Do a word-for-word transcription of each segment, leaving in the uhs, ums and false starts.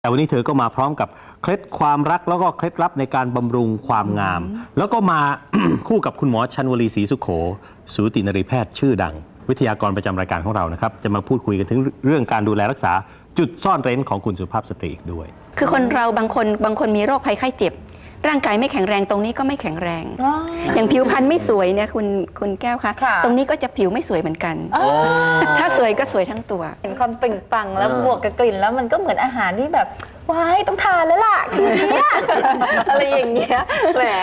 แต่วันนี้เธอก็มาพร้อมกับเคล็ดความรักแล้วก็เคล็ดลับในการบำรุงความงาม แล้วก็มา คู่กับคุณหมอชันวลีศรีสุโขสูตินรีแพทย์ชื่อดังวิทยากรประจำรายการของเรานะครับจะมาพูดคุยกันถึงเรื่องการดูแลรักษาจุดซ่อนเร้นของคุณสุภาพสตรีอีกด้วยคือคนเราบางคนบางคนมีโรคภัยไข้เจ็บร่างกายไม่แข็งแรงตรงนี้ก็ไม่แข็งแรง อ, อย่างผิวพรรณไม่สวยเนี่ยคุณคุณแก้วคะตรงนี้ก็จะผิวไม่สวยเหมือนกันถ้าสวยก็สวยทั้งตัวเห็นความเปล่งปลั่งแล้วบวกกับกลิ่นแล้วมันก็เหมือนอาหารที่แบบว้ายต้องทานแล้วล่ะคืนนี้ อะไรอย่างเงี้ยแหม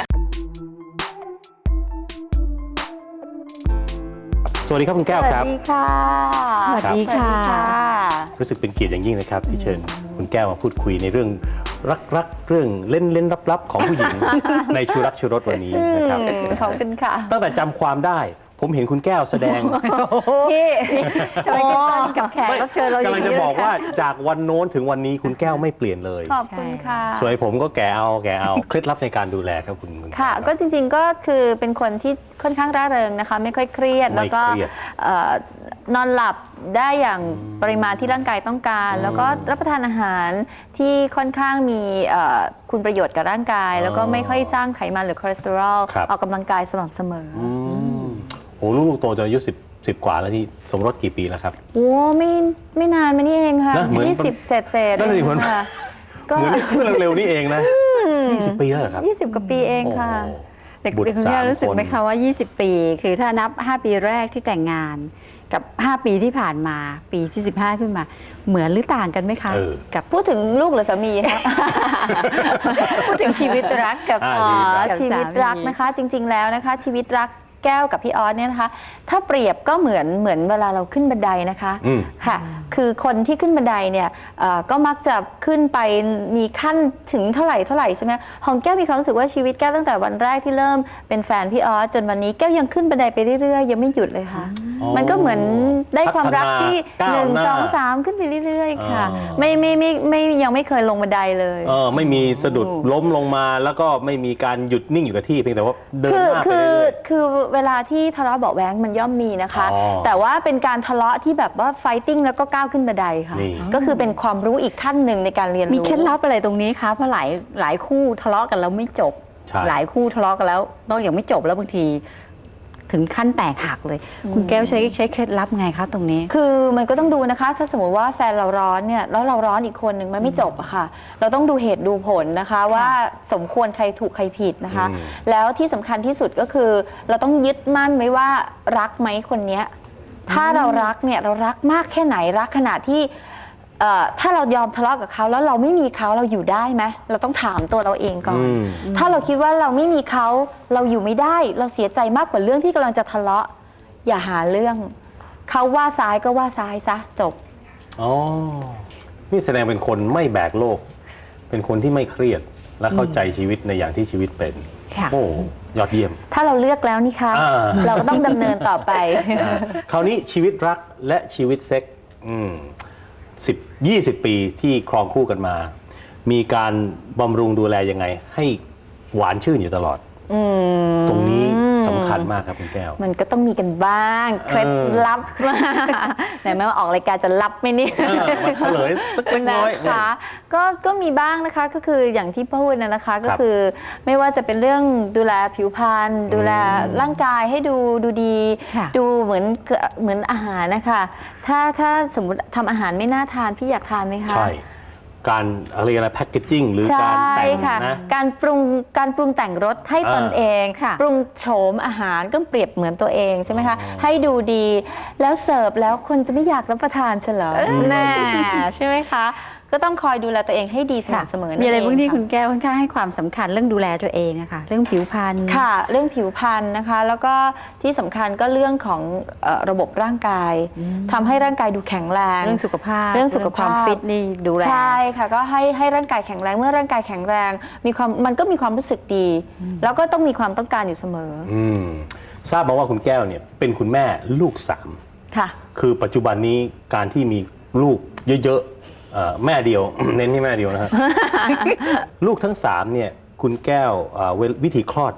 สวัสดีครับคุณแก้วครับสวัสดีค่ะสวัสดีค่ะรู้สึกเป็นเกียรติอย่างยิ่งนะครับที่เชิญคุณแก้วมาพูดคุยในเรื่องรักๆเรื่องเล่นเล่นลับๆของผู้หญิง ในชูรักชูรสวันนี้นะครับขอบคุณค่ะตั้งแต่จำความได้ผมเห็นคุณแก้วแสดงพี่ทำไมพี่ต้นกับแขกรับเชิญเราอย่างนี้กำลังจะบอกว่าจากวันโน้นถึงวันนี้คุณแก้วไม่เปลี่ยนเลยขอบคุณค่ะสวยผมก็แก่เอาแก่เอาเคล็ดลับในการดูแลครับคุณค่ะก็จริงๆก็คือเป็นคนที่ค่อนข้างร่าเริงนะคะไม่ค่อยเครียดแล้วก็นอนหลับได้อย่างปริมาณที่ร่างกายต้องการแล้วก็รับประทานอาหารที่ค่อนข้างมีคุณประโยชน์กับร่างกายแล้วก็ไม่ค่อยสร้างไขมันหรือคอเลสเตอรอลออกกำลังกายสม่ำเสมอโอ้ลูกโตจะอายุสิบสิบกว่าแล้วที่สมรสกี่ปีแล้วครับโอ้ไม่ไม่นานมานี่เองค่ะยี่สิบเศษเศษนั่นเองค่ะเหมือนเมื่อเร็วๆนี่เองนะยี่สิบปีแล้วครับยี่สิบกว่าปีเองค่ะเด็กๆคุณแม่รู้สึกไหมคะว่ายี่สิบปีคือถ้านับห้าปีแรกที่แต่งงานกับห้าปีที่ผ่านมาปีที่สิบห้าขึ้นมาเหมือนหรือต่างกันไหมคะกับพูดถึงลูกหรือสามีคะพูดถึงชีวิตรักกับชีวิตรักนะคะจริงๆแล้วนะคะชีวิตรักแก้วกับพี่ออสเนี่ยนะคะถ้าเปรียบก็เหมือนเหมือนเวลาเราขึ้นบันไดนะคะค่ะคือคนที่ขึ้นบันไดเนี่ยก็มักจะขึ้นไปมีขั้นถึงเท่าไหร่เท่าไหร่ใช่ไหมของแก้วมีความรู้สึกว่าชีวิตแก้วตั้งแต่วันแรกที่เริ่มเป็นแฟนพี่ออสจนวันนี้แก้วยังขึ้นบันไดไปเรื่อยๆยังไม่หยุดเลยค่ะมันก็เหมือนได้ความรักที่หนึ่งสองสามขึ้นไปเรื่อยๆค่ะไม่ไม่ไม่ไม่ยังไม่เคยลงบันไดเลยเออไม่มีสะดุดล้มลงมาแล้วก็ไม่มีการหยุดนิ่งอยู่กับที่เพียงแต่ว่าเดินหน้าไปเรื่อยๆคือเวลาที่ทะเลาะเบาะแว้งมันย่อมมีนะคะแต่ว่าเป็นการทะเลาะที่แบบว่าไฟติ้งแล้วก็ก้าวขึ้นบันไดค่ะก็คือเป็นความรู้อีกขั้นหนึ่งในการเรียนรู้มีเคล็ดลับอะไรตรงนี้คะเพราะหลายหลายคู่ทะเลาะกันแล้วไม่จบหลายคู่ทะเลาะกันแล้วนอกจากไม่จบแล้วบางทีถึงขั้นแตกหักเลยคุณแก้วใช้ใช้เคล็ดลับไงคะตรงนี้คือมันก็ต้องดูนะคะถ้าสมมติว่าแฟนเราร้อนเนี่ยแล้วเราร้อนอีกคนหนึ่งมันไม่จบอะค่ะเราต้องดูเหตุดูผลนะคะว่าสมควรใครถูกใครผิดนะคะแล้วที่สำคัญที่สุดก็คือเราต้องยึดมั่นไว้ว่ารักไหมคนนี้ถ้าเรารักเนี่ยเรารักมากแค่ไหนรักขนาดที่ถ้าเรายอมทะเลาะกับเขาแล้วเราไม่มีเขาเราอยู่ได้ไหมเราต้องถามตัวเราเองก่อนถ้าเราคิดว่าเราไม่มีเขาเราอยู่ไม่ได้เราเสียใจมากกว่าเรื่องที่กำลังจะทะเลาะอย่าหาเรื่องเขาว่าซ้ายก็ว่าซ้ายซะจบอ๋อนี่แสดงเป็นคนไม่แบกโลกเป็นคนที่ไม่เครียดและเข้าใจชีวิตในอย่างที่ชีวิตเป็นโอ้ยอดเยี่ยมถ้าเราเลือกแล้วนี่คะเราก็ต้องดำเนินต่อไปคราวนี้ชีวิตรักและชีวิตเซ็กสิบยี่สิบปีที่ครองคู่กันมามีการบำรุงดูแลยังไงให้หวานชื่นอยู่ตลอดตรงนี้สำคัญมากครับคุณแก้วมันก็ต้องมีกันบ้างเคล็ดลับไหนแม้ว่าออกรายการจะลับไหมนี่มาเฉลยสักเล็กน้อยนะคะก็ก็มีบ้างนะคะก็คืออย่างที่พูดนะนะคะก็คือไม่ว่าจะเป็นเรื่องดูแลผิวพรรณดูแลร่างกายให้ดูดูดีดูเหมือนเหมือนอาหารนะคะถ้าถ้าสมมติทำอาหารไม่น่าทานพี่อยากทานไหมคะใช่การอะไรอะไรแพคเกจจิ้งหรือการแต่งนะการปรุงการปรุงแต่งรสให้ตนเองปรุงโฉมอาหารก็เปรียบเหมือนตัวเองใช่ไหมคะให้ดูดีแล้วเสิร์ฟแล้วคนจะไม่อยากรับประทานเฉลยแน่ใช่ไหมคะก็ต้องคอยดูแลตัวเองให้ดีสม่ำเสมอมีอะไรพวกนี้คุณแก้วค่อนข้างให้ความสำคัญเรื่องดูแลตัวเองอะค่ะเรื่องผิวพรรณค่ะเรื่องผิวพรรณนะคะแล้วก็ที่สำคัญก็เรื่องของระบบร่างกายทำให้ร่างกายดูแข็งแรงเรื่องสุขภาพเรื่องสุขภาพฟิตนี่ดูแลใช่ค่ะก็ให้ให้ร่างกายแข็งแรงเมื่อร่างกายแข็งแรงมีความมันก็มีความรู้สึกดีแล้วก็ต้องมีความต้องการอยู่เสมอทราบมาว่าคุณแก้วเนี่ยเป็นคุณแม่ลูกสามค่ะคือปัจจุบันนี้การที่มีลูกเยอะแม่เดียว เน้นที่แม่เดียวนะฮะ ลูกทั้งสามเนี่ยคุณแก้ววิธีคลอด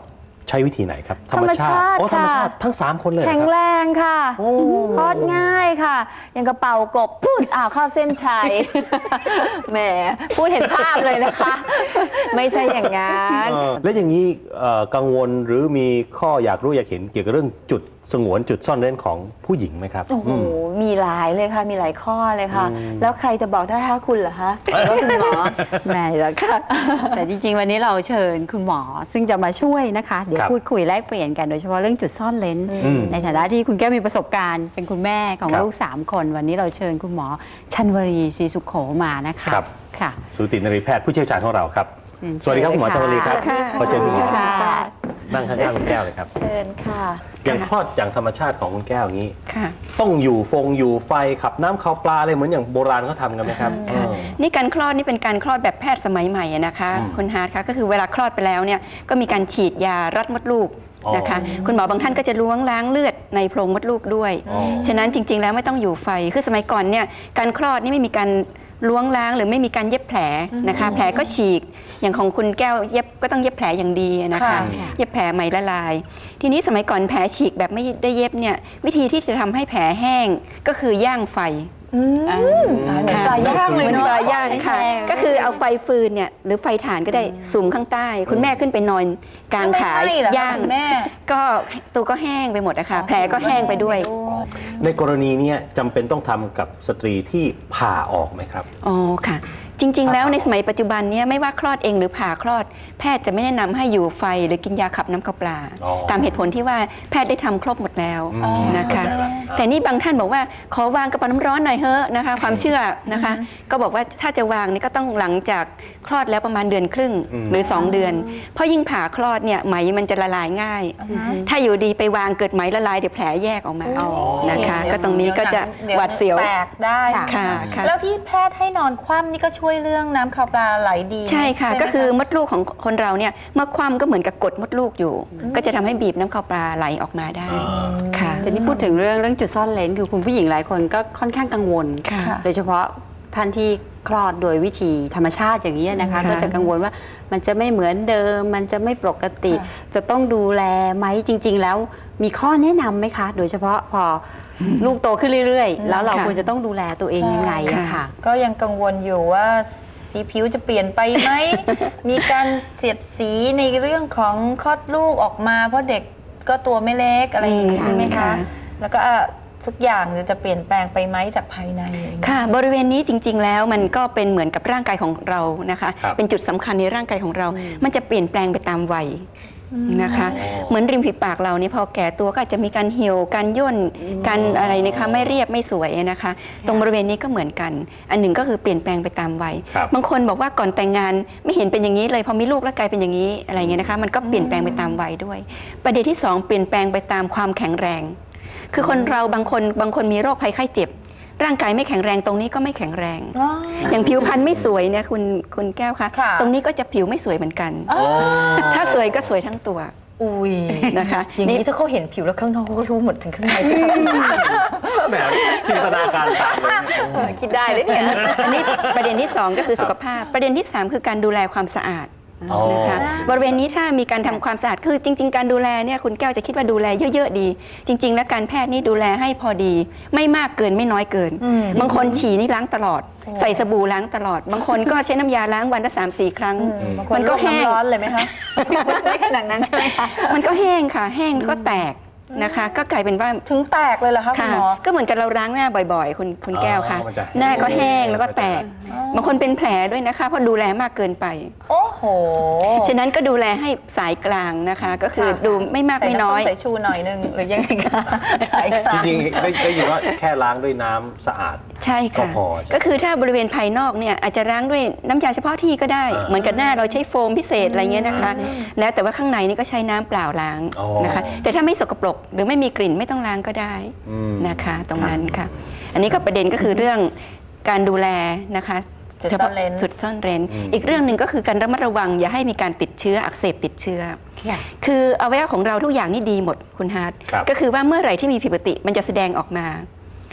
ใช้วิธีไหนครับธรรมชาติโอ้ธรรมชาค่ะติทั้งสามคนเลยเหรอแข็งครับแรงค่ะโอ้คลอดง่ายค่ะ อย่างกระเป๋ากบพูดอ้าวเข้าเส้นชัย แหมพูดเห็นภาพเลยนะคะ ไม่ใช่อย่างนั้นเออแล้วอย่างนี้เอ่อกังวลหรือมีข้ออยากรู้อยากเห็นเกี่ยวกับเรื่องจุดสงวนจุดซ่อนเร้นของผู้หญิงไหมครับโอ้โหอืมมีหลายเลยค่ะ มีหลายข้อเลยค่ะอืมแล้วใครจะบอกได้ถ้าคุณเหรอคะหรือว่าคุณหมอไม่หรอกค่ะ แต่จริงๆ วันนี้เราเชิญคุณหมอซึ่งจะมาช่วยนะคะ เดี๋ยวครับพูดคุยแลกเปลี่ยนกันโดยเฉพาะเรื่องจุดซ่อนเลนอืมในฐานะที่คุณแก้วมีประสบการณ์เป็นคุณแม่ของครับลูกสามคน วันนี้เราเชิญคุณหมอชันวรีศรีสุขโขมานะคะครับค่ะสูตินรีแพทย์ผู้เชี่ยวชาญของเราครับเรียนสวัสดีครับคุณหมอชเชิวญลีเลยครับค่ะขอเชิญคุณหมอสวัสดีค่ะนั่งข้างๆคุณแก้วเลยครับเชิญค่ะอย่างคลอดอย่างธรรมชาติของคุณแก้วอย่างนี้ค่ะต้องอยู่ฟงอยู่ไฟขับน้ำขับปลาอะไรเหมือนอย่างโบราณเขาทำกันไหมครับเออนี่การคลอดนี่เป็นการคลอดแบบแพทย์สมัยใหม่อะนะคะอืมคุณฮาร์ดคะก็คือเวลาคลอดไปแล้วเนี่ยก็มีการฉีดยารัดมดลูกอ๋อนะคะ คุณหมอบางท่านก็จะล้วงล้างเลือดในโพรงมดลูกด้วยอ๋อฉะนั้นจริง ๆ แล้วไม่ต้องอยู่ไฟคือสมัยก่อนเนี่ยการคลอดนี่ไม่มีการล้วงล้างหรือไม่มีการเย็บแผลนะคะ แผลก็ฉีกอย่างของคุณแก้วเย็บก็ต้องเย็บแผลอย่างดีนะคะค่ะเย็บแผลไหมละลาย ทีนี้สมัยก่อนแผลฉีกแบบไม่ได้เย็บเนี่ยวิธีที่จะทำให้แผลแห้งก็คือย่างไฟอืมตายเหมือนปลาย่างเลยเหมือนเนาะปลาย่างค่ะแห้งๆก็คือเอาไฟฟืนเนี่ยหรือไฟถ่านก็ได้สุมข้างใต้ คุณแม่ขึ้นไปนอนกลางขาไม่ให้เหรอคะย่างคุณแม่ก็ตัวก็แห้งไปหมดอะค่ะแผลก็แห้งไปด้วยในกรณีเนี้ยจำเป็นต้องทำกับสตรีที่ผ่าออกไหมครับอ๋อค่ะ จริง ๆ แล้วในสมัยปัจจุบันเนี้ไม่ว่าคลอดเองหรือผ่าคลอด แพทย์จะไม่แนะนำให้อยู่ไฟหรือกินยาขับน้ำขับปลาอ๋อตามเหตุผลที่ว่าแพทย์ได้ทำครบหมดแล้วอืมนะคะเข้าใจละแต่นี่บางท่านบอกว่าขอวางกระเป๋าน้ำร้อนหน่อยเฮ้อะนะคะ ความเชื่อนะคะ ก็บอกว่าถ้าจะวางนี่ก็ต้องหลังจากคลอดแล้วประมาณเดือนครึ่งอืมหรือ สอง เดือน เพราะยิ่งผ่าคลอดเนี่ยไหมมันจะละลายง่าย ถ้าอยู่ดีไปวางเกิดไหมละลายเดี๋ยวแผลแยกออกมาอ๋อนะคะ ก็ตรงนี้ก็จะหวาดเสียวแตกได้ค่ะค่ะแล้วที่แพทย์ให้นอนคว่ำนี่ก็ช่วยเรื่องน้ำข่าวปลาไหลดีใช่ค่ะไหมก็คือมดลูกของคนเราเนี่ยเมื่อคว่ำก็เหมือนกับกดมดลูกอยู่ ก็จะทำให้บีบน้ำข้าวปลาไหลออกมาได้อ่าค่ะแต่นี่พูดถึงเรื่องเรื่องจุดซ่อนเลนคือคุณผู้หญิงหลายคนก็ค่อนข้างกังวลค่ะโดยเฉพาะท่านที่คลอดโดยวิธีธรรมชาติอย่างนี้นะคะค่ะก็จะกังวลว่ามันจะไม่เหมือนเดิม มันจะไม่ปกติ จะต้องดูแลไหมจริง ๆ แล้วมีข้อแนะนำไหมคะ โดยเฉพาะพออลูกโตขึ้นเรื่อย ๆ แล้วเราค่ะควรจะต้องดูแลตัวเองยังไงอะค่ะก็ยังกังวลอยู่ว่าสีผิวจะเปลี่ยนไปไหม มีการเสียดสีในเรื่องของคลอดลูกออกมา เพราะเด็กก็ตัวไม่เล็กอะไรอย่างนี้อืมใช่ไหมคะค่ะแล้วก็อ่ะทุกอย่างจะเปลี่ยนแปลงไปไหมจากภายในอะไรอย่างเงี้ยค่ะ บริเวณนี้จริง ๆ แล้วมันก็เป็นเหมือนกับร่างกายของเรานะคะครับเป็นจุดสำคัญในร่างกายของเรา มันจะเปลี่ยนแปลงไปตามวัยนะคะอ๋อเหมือนริมฝีปากเราเนี่ยพอแก่ตัวก็อาจจะมีการเหี่ยวการย่นการอะไรนะคะไม่เรียบไม่สวยนะคะ ตรงบริเวณนี้ก็เหมือนกัน อันหนึ่งก็คือเปลี่ยนแปลงไปตามวัยครับบางคนบอกว่าก่อนแต่งงานไม่เห็นเป็นอย่างนี้เลยพอมีลูกแล้วกลายเป็นอย่างนี้อะไรเงี้ยนะคะ มันก็เปลี่ยนแปลงไปตามวัยด้วย ประเด็นที่สองเปลี่ยนแปลงไปตามความแข็งแรง คือคนเราบางคนบางคนมีโรคภัยไข้เจ็บ ร่างกายไม่แข็งแรงตรงนี้ก็ไม่แข็งแรงอ๋ออย่างผิวพรรณไม่สวยเนี่ยคุณคุณแก้วคะค่ะตรงนี้ก็จะผิวไม่สวยเหมือนกันอ๋อถ้าสวยก็สวยทั้งตัวอุ้ยนะคะอย่างนี้นี่ถ้าเขาเห็นผิวแล้วข้างนอกเขาก็รู้หมดถึงข้างในสิคะแหมจินตนาการตามเลยเออคิดได้เลยเนี่ยอันนี้ประเด็นที่สองก็คือสุขภาพ ประเด็นที่สามคือการดูแลความสะอาดอ๋อนะคะบริเวณนี้ถ้ามีการทำความสะอาดคือจริง ๆ การดูแลเนี่ยคุณแก้วจะคิดว่าดูแลเยอะ ๆ ดี จริง ๆ แล้วการแพทย์นี่ดูแลให้พอดี ไม่มากเกินไม่น้อยเกินอืมบางคนฉี่นี่ล้างตลอดโอ้ใส่สบู่ล้างตลอด บางคนก็ใช้น้ำยาล้างวันละสามสี่ครั้งอืมบางคมัน นก็ลวแห้งน้ำร้อนเลยไหมคะ ไม่ขนาดนั้นใช่ไหมคะมันก็แห้งค่ะ แห้งแล้วก็แตกนะคะ ก็กลายเป็นว่าถึงแตกเลยเหรอคะคุณค่ะหมอก็เหมือนกับเราล้างหน้าบ่อยๆ คุณคุณแก้วค่ะอ๋อมันจะหน้าก็แห้งแล้วก็แตกอ๋อบางคนเป็นแผลด้วยนะคะ เพราะดูแลมากเกินไปโอ้โหฉะนั้นก็ดูแลให้สายกลางนะคะ ก็คือค่ะดูไม่มากไม่น้อยใส่ำส้ใส่ชูหน่อยนึงหรือยังไงคะสายกลางจริงๆได้ได้ยินว่าแค่ล้างด้วยน้ำสะอาดใช่ค่ะก็พอใช่ไหมก็คือถ้าบริเวณภายนอกเนี่ยอาจจะล้างด้วยน้ำยาเฉพาะที่ก็ได้อ่าเหมือนกับหน้าเราใช้โฟมพิเศษอะไรเงี้ยนะคะ แล้วแต่ว่าข้างในนี่ก็ใช้น้ำเปล่าล้างอ๋อนะคะ แต่ถ้าไม่สกปรกหรือไม่มีกลิ่นไม่ต้องล้างก็ได้อืมนะคะ ตรงนั้นค่ะ อันนี้ก็ประเด็นก็คือเรื่องการดูแลนะคะจุดซ่อนเร้นจุดซ่อนเร้นอืมอีกเรื่องหนึ่งก็คือการระมัดระวังอย่าให้มีการติดเชื้ออักเสบติดเชื้อค่ะคืออวัยวะของเราทุกอย่างนี่ดีหมดคุณฮาร์ดครับก็คือว่าเมื่อไหร่ที่มีผิดปกติมันจะแสดงออกมา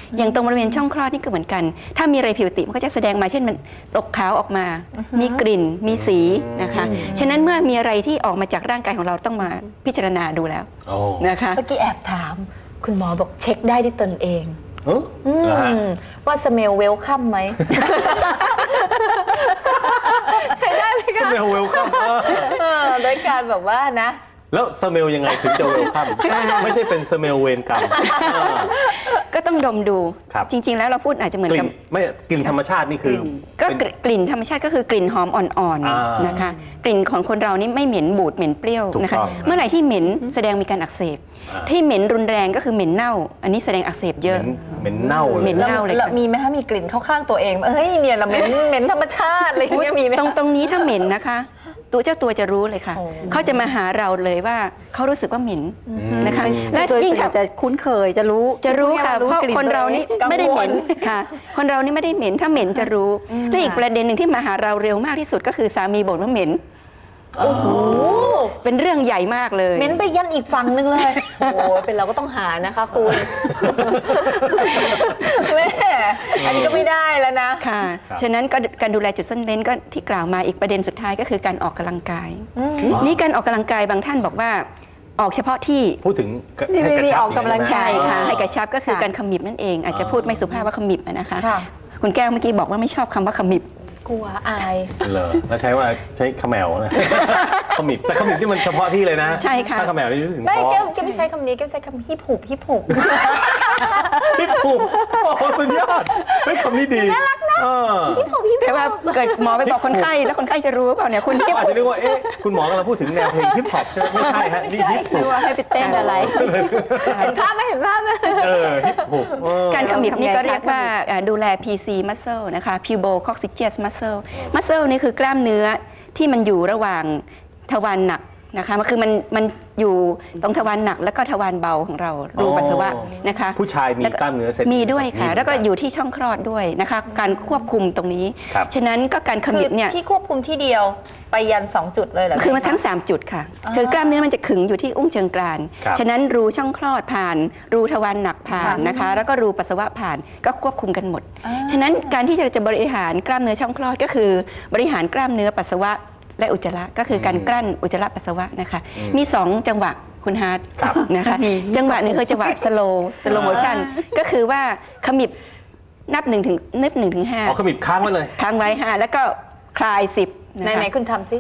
อย่างตรงบริเวณช่องคลอดนี่ก็เหมือนกัน ถ้ามีอะไรผิดปกติมันก็จะแสดงมาเช่นมันตกขาวออกมา มีกลิ่นมีสีนะคะฉะนั้นเมื่อมีอะไรที่ออกมาจากร่างกายของเราต้องมาพิจารณาดูแล้วโอ้นะคะเมื่อกี้แอบถาม คุณหมอบอกเช็คได้ที่ตนเองเอออืมเหรอฮะว่าสเมลเวลคัมไหม ใช้ได้ไหมสคะเมลเวลคัมเออโดยการแบบว่านะแล้วสเมลยังไงถึงจะเวลคัมไม่ใช่เป็นสเมลเวนกรรมอ่าก็ต้องดมดูครับจริง ๆ แล้วเราพูดอาจจะเหมือนกลิ่กับนไม่กลิ่นธรรมชาตินี่คือก็เป็นกลิ่นธรรมชาติก็คือกลิ่นหอมอ่อนอ่าๆนนะคะ กลิ่นของคนเรานี่ไม่เหม็นบูดเหม็นเปรี้ยวถูกนะคะต้องเมื่อไหร่ที่เหม็นแสดงมีการอักเสบอ่าที่เหม็นรุนแรงก็คือเหม็นเน่า อันนี้แสดงอักเสบเยอะเหม็นเน่าเลยเหม็นแล้วเน่าเลยค่ะแล้วมีไหมคะมีกลิ่นเข้าข้างตัวเองเอ้ยเนี่ยเราเหม็นเหม็นธรรมชาติอะไรอย่างเงี้ยมีไหมตรงคะตรงนี้ถ้าเหม็นนะคะ ตัวเจ้าตัวจะรู้เลยค่ะโอ้เขาจะมาหาเราเลยว่าเขารู้สึกว่าเหม็นนะคะ และโดยยิ่งส่วนใหญ่ถ้าจะคุ้นเคยจะรู้จะรู้ค่ะรู้เพราะกลิ่นคนเรานี่กังวลไม่ได้เหม็นค่ะ คนเรานี่ไม่ได้เหม็นถ้าเหม็นจะรู้และอีกประเด็นหนึ่งที่มาหาเราเร็วมากที่สุดก็คือสามีบ่นว่าเหม็นโอ้โหเป็นเรื่องใหญ่มากเลยเหม็นไปยันอีกฝั่งนึงเลย โอ้ยเป็นเราก็ต้องหานะคะคุณแม่อันนี้ก็ไม่ได้แล้วนะค่ะครับฉะนั้นก็การดูแลจุดซ่อนเร้นก็ที่กล่าวมาอีกประเด็นสุดท้ายก็คือการออกกำลังกายอืมนี่การออกกำลังกายบางท่านบอกว่าออกเฉพาะที่พูดถึงนี่ให้กระมีชับออกกำลังใช่ค่ะอ๋อให้กระชับก็คือค่ะการขมิบนั่นเอง อาจจะพูดไม่สุภาพว่าขมิบอะนะคะค่ะคุณแก้วเมื่อกี้บอกว่าไม่ชอบคำว่าขมิบกลัวอายเหรอแล้วใช้ว่าใช้ขมแมวนะ ขมิบแต่ขมิบนี่มันเฉพาะที่เลยนะใช่ค่ะถ้าขมแมวนี่นึกถึงไม่ท้องแก้วแก้วไม่ใช้คำนี้แก้วใช้คำฮิปหุบฮิปหุบฮิปปุโอ้โหสุดยอดเฮ้ยคำนี้ดีน่ารักนะแต่ว่าเกิดหมอไปบอกคนไข้แล้วคนไข้จะรู้หรือเปล่าเนี่ยคุณฮิปอาจจะนึกว่าเอ๊ะคุณหมอกำลังพูดถึงแนวเพลงฮิปฮอปใช่ไหมไม่ใช่ฮะนี่ฮิปฮอรู้ปว่าให้ไปเต้นอะไรเห็นภาพไหมเห็นภาพไหมเออฮิปฮอปเออการขมิบนี่ก็ทำไงคะเรียกว่าอ่าดูแล พี ซี muscle นะคะ pubococcygeus muscle muscle นี่คือกล้ามเนื้อที่มันอยู่ระหว่างทวารหนักนะคะมันคือมันมันอยู่ตรงทวารหนักแล้วก็ทวารเบาของเรารูปัสสาวะนะคะผู้ชายมีแล้วกล้ามเนื้อเส้นมีด้วยค่ะมีแล้วก็อยู่ที่ช่องคลอดด้วยนะคะ การควบคุมตรงนี้ครับฉะนั้นก็การขคืมิอบเนี่ยที่ควบคุมที่เดียวไปยันสองจุดเลยเหรอคือมาทั้ง สาม จุดค่ะ คือกล้ามเนื้อมันจะขึงอยู่ที่อุ้งเชิงกรานครับฉะนั้นรูช่องคลอดผ่าน รูทวารหนักผ่านนะคะ แล้วก็รูปัสสาวะผ่านก็ควบคุมกันหมด ฉะนั้นการที่เราจะบริหารกล้ามเนื้อช่องคลอดก็คือบริหารกล้ามเนื้อปัสสาวะและอุจจาระก็คือการกลั้นอุจจาระปัสสาวะนะคะ มี สอง จังหวะคุณฮาร์ดครับนะคะ จังหวะหนึงคือจังหวะ slow slow motion ก็คือว่าขมิบนับหนึ่งถึงนับหนึ่งถึงห้าเอาขมิบค้างไว้เลยค้างไว้ห้าแล้วก็คลายสิบนะไหนคะไหนคุณทำสิ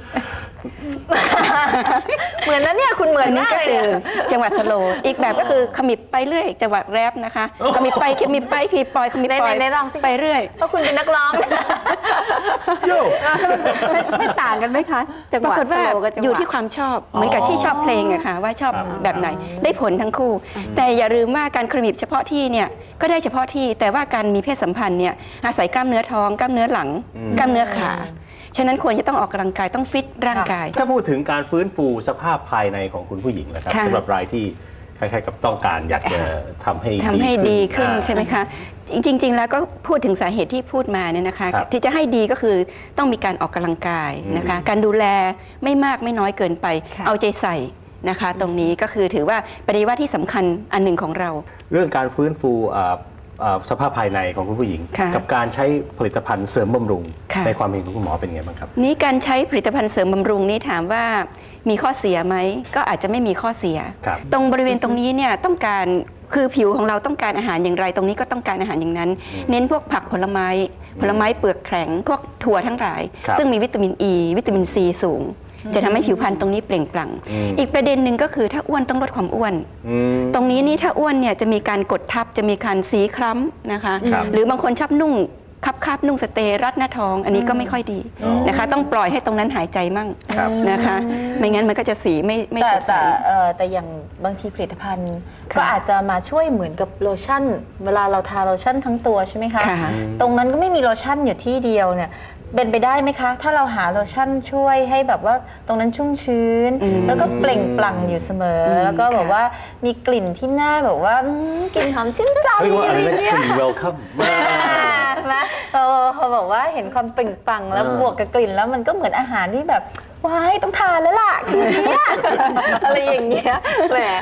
เหมือนนะเนี่ยคุณเหมือนอันนี้มากก็เลยคือเนี่ยจังหวะสโลว์อีกแบบก็คือขมิบไปเรื่อยจังหวะแรปนะคะขมิบไปขมิบไปขมิบปล่อยขมิบปล่อยไหนไหนลองสิไปเรื่อยเพราะคุณเป็นนักร้องโย่ไม่ไม่ต่างกันไหมคะจังหปราวะกฏว่าสโลว์กับจังหวะอยู่ที่ความชอบเหมือนกับที่ชอบเพลงอะค่ะว่าชอบครับแบบไหนได้ผลทั้งคู่ แต่อย่าลืมว่าการขมิบเฉพาะที่เนี่ยก็ได้เฉพาะที่แต่ว่าการมีเพศสัมพันธ์เนี่ยอาศัยกล้ามเนื้อท้องกล้ามเนื้อหลัง กล้ามเนื้อขาฉะนั้นควรจะต้องออกกำลังกายต้องฟิตร่างกายถ้าพูดถึงการฟื้นฟูสภาพภายในของคุณผู้หญิงนะครับค่ะสำหรับรายที่คล้ายๆกับต้องการอยากจะทำให้ทำให้ดีขึ้นอ่าใช่ไหมคะ จริง ๆ แล้วก็พูดถึงสาเหตุที่พูดมาเนี่ยนะคะครับที่จะให้ดีก็คือต้องมีการออกกำลังกายนะคะ การดูแลไม่มากไม่น้อยเกินไป เอาใจใส่นะคะ ตรงนี้ก็คือถือว่าปฏิวัติที่สำคัญอันหนึ่งของเราเรื่องการฟื้นฟูอ่าอ่าสภาพภายในของคุณผู้หญิงค่ะกับการใช้ผลิตภัณฑ์เสริมบำรุงค่ะในความเห็นของคุณหมอเป็นไงบ้างครับนี้การใช้ผลิตภัณฑ์เสริมบำรุงนี่ถามว่ามีข้อเสียไหมก็อาจจะไม่มีข้อเสียครับตรงบริเวณตรงนี้เนี่ยต้องการคือผิวของเราต้องการอาหารอย่างไร ตรงนี้ก็ต้องการอาหารอย่างนั้น เน้นพวกผักผลไม้ ผลไม้เปลือกแข็งพวกถั่วทั้งหลายครับซึ่งมีวิตามินอ e, ีวิตามินซีสูง จะทำให้ผิวพรรณตรงนี้เปล่งปลั่งอืมอีกประเด็นหนึ่งก็คือถ้าอ้วนต้องลดความอ้วนอืมตรงนี้นี่ถ้าอ้วนเนี่ยจะมีการกดทับจะมีการสีคล้ำนะคะครับหรือบางคนชอบนุ่งคับคาบนุ่งสเตย์รัดหน้าท้อง อันนี้ก็ไม่ค่อยดีอ๋อนะคะ ต้องปล่อยให้ตรงนั้นหายใจมั่งครับนะคะ ไม่งั้นมันก็จะสีไม่ไม่แต่สดใสแต่เอ่อแต่อย่างบางทีผลิตภัณฑ์ค่ะก็อาจจะมาช่วยเหมือนกับโลชั่น เวลาเราทาโลชั่นทั้งตัวใช่ไหมคะค่ะตรงนั้นก็ไม่มีโลชั่นอยู่ที่เดียวเนี่ยเป็นไปได้ไหมคะ ถ้าเราหาโลชั่นช่วยให้แบบว่าตรงนั้นชุ่มชื้นอืมแล้วก็เปล่งปลั่งอยู่เสมออมแล้วก็แบบค่ะว่ามีกลิ่นที่หน้าแบบว่าอืมกลิ่นหอมชื่นใจเรียกว่าอะไรอะไรนะเนี่ยกลิ่นเวลคัมนะเราพอบอกว่าเห็นความเปล่งปลั่งแล้วอ่าบวกกับกลิ่นแล้วมันก็เหมือนอาหารที่แบบว้ายต้องทานแล้วล่ะคืนนี้ อะไรอย่างเงี้ยแหม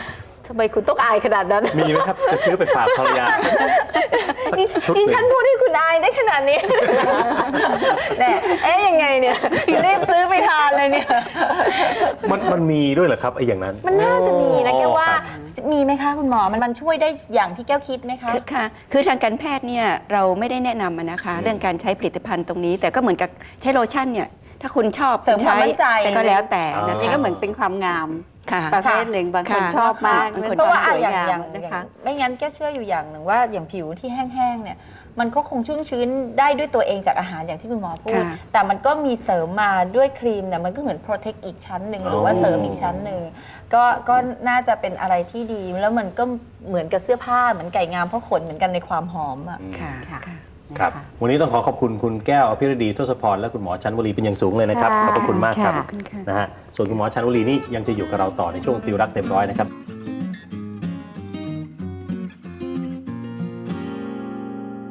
ทำไมคุณต้องอายขนาดนั้นมีไหมครับจะซื้อไปฝากภรรยานี่ชุดนี่หนึ่งฉันพูดให้คุณอายได้ขนาดนี้ แน่เอ๊ะยังไงเนี่ยรีบซื้อไปทานเลยเนี่ยมันมันมีด้วยเหรอครับไอ้อย่างนั้นมันน่าจะมีนะแกว่าครับมีไหมคะคุณหมอมันมันช่วยได้อย่างที่แก้วคิดไหมคะคือค่ะ คือทางการแพทย์เนี่ยเราไม่ได้แนะนำอะนะคะ เรื่องการใช้ผลิตภัณฑ์ตรงนี้ แต่ก็เหมือนกับใช้โลชั่นเนี่ย ถ้าคุณชอบเสริมความมั่นใจแต่ก็แล้วแต่อ๋อนะนี่คะก็เหมือนเป็นความงามค่ะประเภทหนึ่งบางคนค่ะชอบมากบางเรื่คอน งเพราะความว่าสอะวยอย่างงามอย่างนะอย่าคะงไม่งั้นแก้วเชื่ออยู่อย่างหนึ่งว่าอย่างผิวที่แห้งๆเนี่ยมันก็คงชุ่มชื้นได้ด้วยตัวเองจากอาหารอย่างที่คุณหมอพูดค่ะแต่มันก็มีเสริมมาด้วยครีมเนี่ยมันก็เหมือนโปรเทคอีกชั้นหนึ่งหรือว่าเสริมอีกชั้นหนึ่งก็ก็น่าจะเป็นอะไรที่ดีแล้วมันก็เหมือนกับเสื้อผ้าเหมือนไก่งามเพราะขนเหมือนกันในความหอมอ่ะค่ะค่ะค่ะครับ วันนี้ต้องขอขอบคุณคุณแก้วอภิรดีทศพรและคุณหมอชันวลีเป็นอย่างสูงเลยนะครับค่ะขอบพระคุณมากครับค่ะขอบคุณค่ะนะฮะส่วนคุณหมอชันวลีนี่ยังจะอยู่กับเราต่อในช่วงติวรักเต็มร้อยนะครับ